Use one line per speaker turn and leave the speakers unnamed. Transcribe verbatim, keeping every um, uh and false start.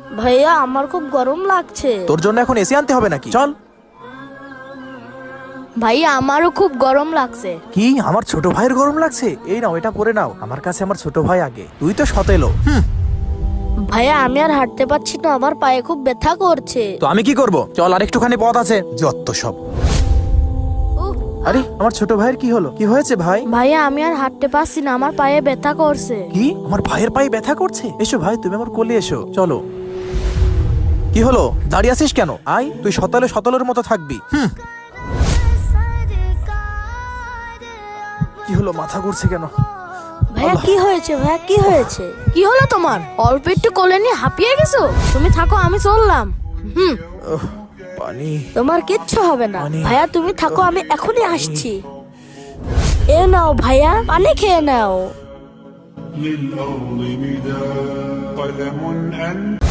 ভাইয়া আমার খুব গরম লাগছে।
তোর জন্য এখন এসি আনতে হবে নাকি? চল।
ভাইয়া আমারও খুব গরম লাগছে।
কি আমার ছোট ভাইয়ের গরম লাগছে? এই নাও এটা পরে নাও, আমার কাছে আমার ছোট ভাই আগে, তুই তো সতেলো। হুম।
ভাইয়া আমি আর হাঁটতে পারছি না, আমার পায়ে খুব ব্যথা করছে।
তো আমি কি করব? চল আর একটুখানি পথ আছে, যত সব।
উহ,
আরে আমার ছোট ভাইয়ের কি হলো? কি হয়েছে ভাই?
ভাইয়া আমি আর হাঁটতে পারছি না, আমার পায়ে ব্যথা করছে।
কি আমার ভাইয়ের পায়ে ব্যথা করছে? এসো ভাই, তুমি আমার কোলে এসো, চলো। কি হলো, দাঁড়িয়ে আছিস কেন? আয়, তুই সতলে সতলের মতো থাকবি। হুম। কি হলো, মাথা ঘুরছে কেন?
ভাইয়া কি হয়েছে? ভাইয়া কি হয়েছে? কি হলো তোমার? অল্প একটু কোলে নিয়ে হাঁপিয়ে গেছো? তুমি থাকো, আমি চললাম। হুম।
উহ, পানি।
তোমার কিচ্ছু হবে না
পানি।
ভাইয়া, তুমি থাকো, আমি এখনই আসছি। এ নাও ভাইয়া, পানি খেয়ে নাও।
للأرض مداد قلم أنت